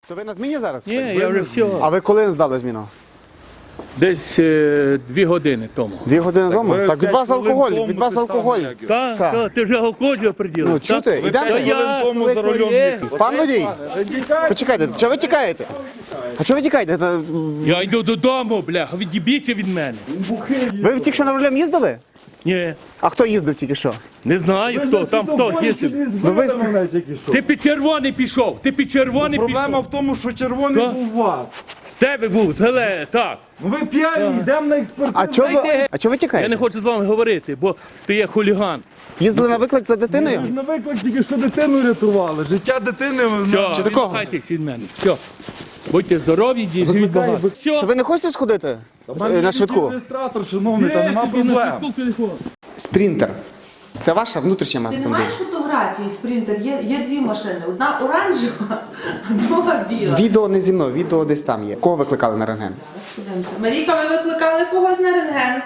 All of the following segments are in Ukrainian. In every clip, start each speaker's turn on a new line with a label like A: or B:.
A: То ви на зміні зараз?
B: Ні, я вже все.
A: А ви коли здали зміну?
B: Десь 2 години тому.
A: 2 години тому? Так, від вас алкоголь, від вас алкоголь.
B: Так, ти вже алкоголь приділив.
A: Ну, чути, йдемо. Пан водій, почекайте, чого ви тікаєте? А чого ви тікаєте?
B: Я йду додому, бляха, від'їбіться від мене.
A: Ви тільки що на рулем їздили?
B: Ні,
A: А хто їздив тільки що?
B: не знаю хто, там хто їздив.
A: Ну ви ж...
B: Ти під червоний пішов, ти під червоний
C: Проблема
B: пішов.
C: в тому, що червоний
B: Так.
C: був у вас.
B: Тебе був, зеле, так.
C: Ну ви п'яні, йдемо на експертизу.
A: А чого ви
B: Я
A: тікаєте?
B: не хочу з вами говорити, бо ти є хуліган.
A: Їздили на виклик за дитиною?
C: На виклик тільки що дитину рятували. Життя дитини.
B: Все,
A: Чи такого?
B: відмахайтесь від мене. Все. Будьте здорові, живіть багато.
A: То
B: Все.
A: ви не хочете сходити на швидку?
C: Реєстратор, шановний, там нема проблем.
A: Спринтер. Це ваша внутрішня
D: Ти не
A: автомобіль?
D: маєш фотографії, спринтер, є 2 машини. Одна оранжева, а друга біла.
A: Відео не зі мною, відео десь там є. Кого викликали на рентген?
D: Подивимося. Марійка, ви викликали когось на рентген?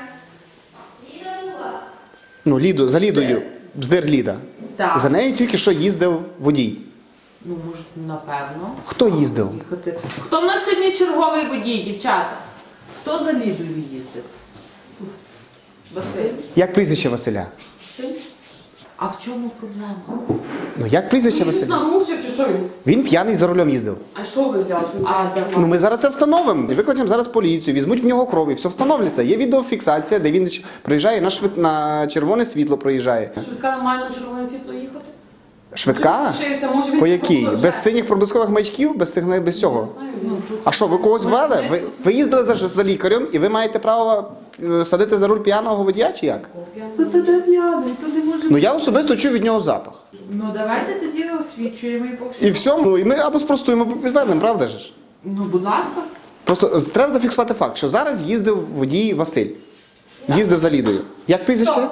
A: Ну, Ліду, за Лідою, бздир Ліда.
D: Так.
A: За нею тільки що їздив водій.
D: Ну, може, напевно.
A: Хто їздив?
D: Їхати. Хто в нас сьогодні черговий водій, дівчата? Хто за Лідою їздив? Василь.
A: Як прізвище Василя?
D: А в чому проблема?
A: Ну, як прізвище Василя?
E: Мужик чи що він?
A: Він п'яний за рулем їздив.
E: А що ви взяли? Що він так
A: Ну, ми зараз це встановимо. Викличемо зараз поліцію, візьмуть в нього кров і все встановлюється. Є відеофіксація, де він приїжджає на червоне світло проїжджає.
E: швидка має на червоне світло їхати?
A: Швидка?
E: Може він
A: По якій? Без синіх проблискових маячків, без цього? А що, ви когось ввели? Ви їздили за лікарем і ви маєте право садити за руль п'яного водія чи як?
D: Ну, то де п'яний, то не може
A: Ну, я особисто чую від нього запах.
D: Ну, давайте тоді освічуємо і по всьому.
A: І все. Ну, і ми або спростуємо, або підтвердимо, правда ж?
D: Ну, будь ласка.
A: Просто треба зафіксувати факт, що зараз їздив водій Василь. Їздив за Лідою. Як прізвище?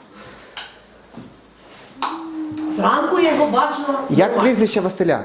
F: Зранку я його бачила.
A: Як прізвище Василя?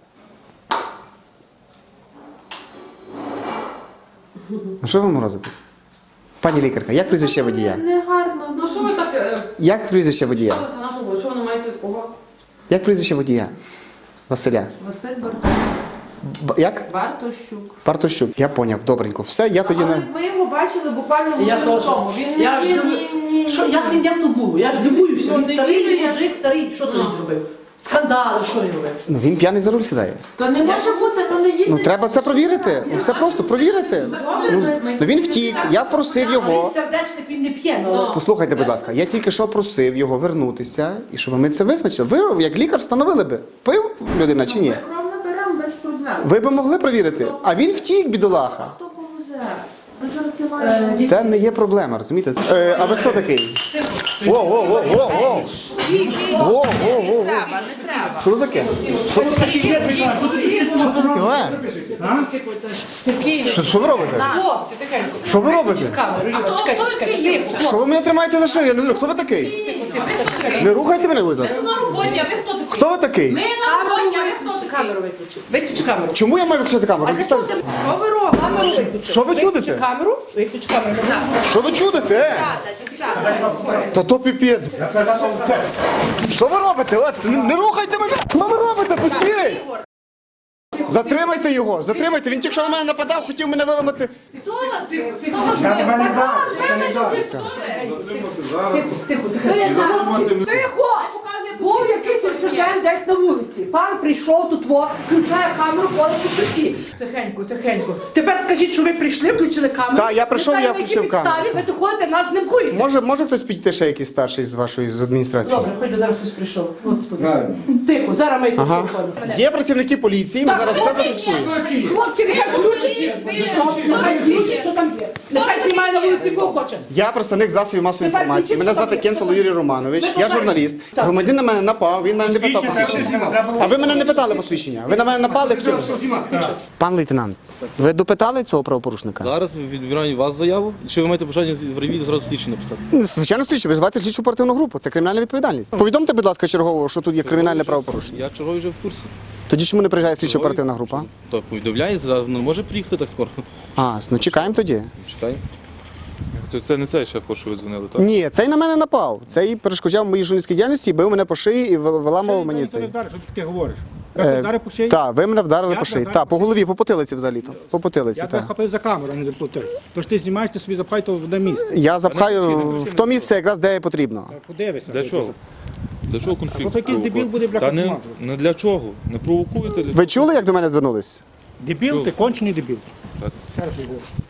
A: Ну що ви морозитесь? Пані лікарка, як прізвище водія?
D: Не гарно.
E: Ну що ви так...
A: Як прізвище водія?
E: Що ви маєте кого?
A: Як прізвище водія? Василя.
D: Василь Бартощук.
A: Як?
D: Бартощук.
A: Партощук. Я поняв, добренько. Все, я тоді
D: Але
A: не...
D: ми його бачили буквально
F: Я
D: годину
F: теж.
D: тому. Він
F: Я ж
D: ні.
F: Що, як то було? Я ж дивуюся.
D: Ну,
F: Він старий
D: дивуюся.
F: мужик, старий. Що ти зробив? Скандали, що він робив?
A: Ну він п'яний за руль сідає.
D: То не може бути, ну не їздить.
A: Ну треба це провірити. Ну, все просто провірити. Ну він втік, я просив його.
F: Він сердечник, він не п'є. Ну.
A: Послухайте, будь ласка, я тільки що просив його вернутися, і щоб ми це визначили. Ви, як лікар, встановили би, пив людина чи ні?
D: Ми кров наберемо без проблем.
A: Ви би могли провірити. А він втік, бідолаха.
D: Хто повезе? Ми зараз не маємо.
A: Це не є проблема, розумієте? А ви хто такий? Во.
D: Не треба.
A: Що це таке? Що це таке? Що це таке? Що ви робите?
F: Хлопці, тихенько.
A: Що ви робите?
F: Камеру, Юра, чекайте.
A: Що ви мене тримаєте за шию? Я не знаю, хто ви такий? Не рухайте мене, будь ласка.
E: На роботі, а ви хто такий?
A: Хто ви такий?
E: Ми на роботі, а ви хто такий?
F: Камеру виключи. Виключи камеру.
A: Чому я маю виключити камеру?
F: А для чого ти
D: Що ви робите?
F: камеру виключи?
A: Що ви
F: Виключи
A: чудите?
F: камеру, виключи камеру.
A: Що ви чудите? Та то піпець. Що ви робите? От, не рухайте мене! Що ви робите? Пустіть! Затримайте його, затримайте. Він тільки що на мене нападав, хотів мене виламати.
F: Тихо! Був якийсь інцидент десь на вулиці. Пан прийшов тут, включає камеру, ходить по швидкі. Тихенько. Тепер скажіть, що ви прийшли, включили камеру.
A: Так, я прийшов,
F: Не знаю,
A: я
F: на якій
A: включив камеру.
F: підставі ви тут ходите, нас знімкуєте.
A: Може хтось підійти ще якийсь старший з вашої з адміністрації?
F: Добре, хоч би зараз хтось прийшов. Господи. Тихо, зараз ми
A: Ага.
F: тут.
A: Є працівники поліції, ми зараз все зафіксуємо.
F: Хлопці, нехай включать. Нехай включать, що там є. Нехай знімає на вулиці, кого хоче.
A: Я представник засобів масової
F: Тепер
A: інформації.
F: включіть,
A: Мене
F: що
A: звати
F: там є.
A: Кенцело Юрій Романович,
F: Ви
A: я
F: покажете.
A: журналіст.
F: Так.
A: Громадянин на мене напав, він мене не питав посвідчення. А ви мене не питали посвідчення. Ви на мене напали, хотіли? Пан лейтенант, ви допитали цього правопорушника?
G: Зараз відбираємо вас заяву. Чи ви маєте бажання в ревізію зразу слідчі написати?
A: Звичайно, слідчі, ви звати слідчу оперативну групу, це кримінальна відповідальність. Повідомте, будь ласка, чергово, що тут є кримінальне правопорушення.
G: Я черговий вже в курсі.
A: Тоді чому не приїжджає слідчо оперативна група?
G: То повідомляє, зараз не може приїхати так скоро.
A: Ну чекаємо тоді.
G: Чекай.
H: Це не цей шеф, що ви дзвонили, так?
A: Ні, цей на мене напав. Цей перешкоджав моїй журналістській діяльності, бив мене по шиї і виламав мені цей.
C: Що ти таке говориш?
I: Зараз по шиї?
A: Так, ви мене вдарили
I: Я
A: по шиї.
I: тебе
A: Так, по голові, по потилиці взагалі-то. По потилиці,
I: Я тебе
A: так.
I: хапив за камеру, а не за плотою. Тож ти знімаєш, ти собі запхай то в одне місце.
A: Я запхаю в то місце, якраз де потрібно.
I: Подивися.
G: Для чого? Для чого конфлікт?
I: Або якийсь дебіл буде, бля,
G: Та не,
I: командувати.
G: не для чого. Не провокуйте.
A: Ви чули, як до мене звернулись?
I: Дебіл, ти кончений дебіл.
G: Так.
I: Зараз я говорю.